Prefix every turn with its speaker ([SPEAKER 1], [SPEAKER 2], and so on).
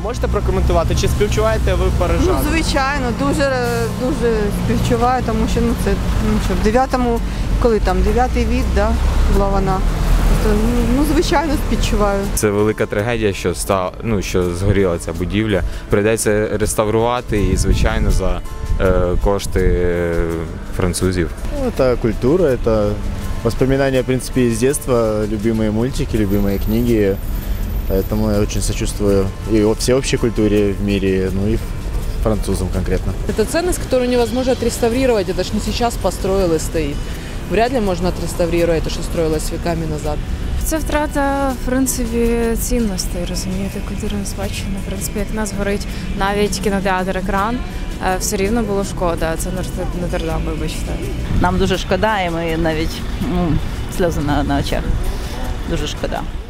[SPEAKER 1] можете прокоментувати, чи співчуваєте ви парижан?
[SPEAKER 2] Ну, звичайно, дуже співчуваю, тому що це в 9-му, коли там 9-й вік, да, була вона. Звичайно, співчуваю.
[SPEAKER 3] Це велика трагедія, що згоріла ця будівля. Прийдеться реставрувати і, звичайно, за кошти французів.
[SPEAKER 4] Это культура, это воспоминания, в принципе, из детства, любимые мультики, любимые книги. Поэтому я очень сочувствую и всеобщей культуре в мире, ну и французам конкретно.
[SPEAKER 5] Это ценность, которую невозможно отреставрировать. Это ж не сейчас построилось, стоит. Вряд ли можно отреставрировать то, що строилось віками назад.
[SPEAKER 6] Це втрата, в принципі, цінностей, розумієте, культурної спадщини. В принципі, як в нас горить навіть кінотеатр «Екран», все рівно було шкода. Це Нотр-Дам, вибачте.
[SPEAKER 7] Нам дуже шкода, і ми навіть сльози на очах. Дуже шкода.